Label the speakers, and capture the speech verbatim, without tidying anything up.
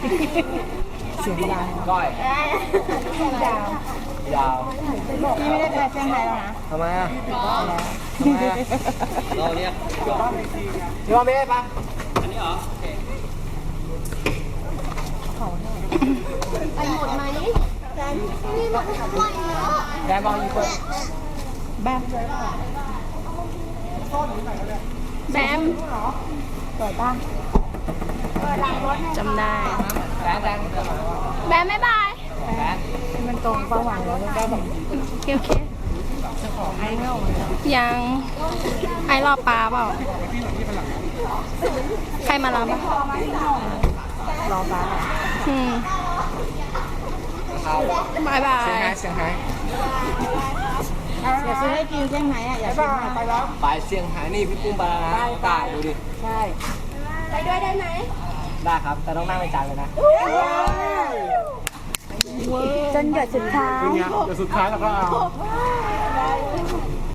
Speaker 1: เสียงดัง
Speaker 2: ก้อย
Speaker 1: ดาวย
Speaker 2: าว
Speaker 1: พี่ไม่ได้ไปเชียงรายแล้วนะ
Speaker 2: ทำไมอ่ะทำไมอ่ะเราเรียกพี่ว่าไม่ได้ปะอันนี้เหรอ
Speaker 3: ไปหมดไหมแฟนนี่หมดทั้งวันเนาะ
Speaker 2: แกมองอีกคน
Speaker 1: แบม
Speaker 3: แบม
Speaker 1: สวยป่ะ
Speaker 3: จำได้
Speaker 2: แดนแดน
Speaker 3: แบมบ๊ายบาย
Speaker 2: แดน
Speaker 1: มันตรงเป้าหมายแล้วได้แบบ
Speaker 3: โอเคโอเคยังไอรอปลาเปล่าใครมารับอ่ะ
Speaker 1: รอฟ้า
Speaker 3: อืม
Speaker 2: เขา
Speaker 3: บายบา
Speaker 2: เสียง
Speaker 3: ย
Speaker 2: หายเสียงหาย
Speaker 1: อยากซื้อให้กินเชียงไหนอ่ะอยากซื้อไปแล้ว
Speaker 2: ไปเสียงหายนี่พี่ปุ้มไปแล้วนะตายดูดิ
Speaker 1: ใช่
Speaker 3: ไปด้วยได้ไหม
Speaker 2: ได้ครับแต่ต้องนั่งในจานเลยนะ
Speaker 1: จนหยดสุดท้าย
Speaker 2: เป็นไงเดี๋ยวสุดท้ายเราก็เอา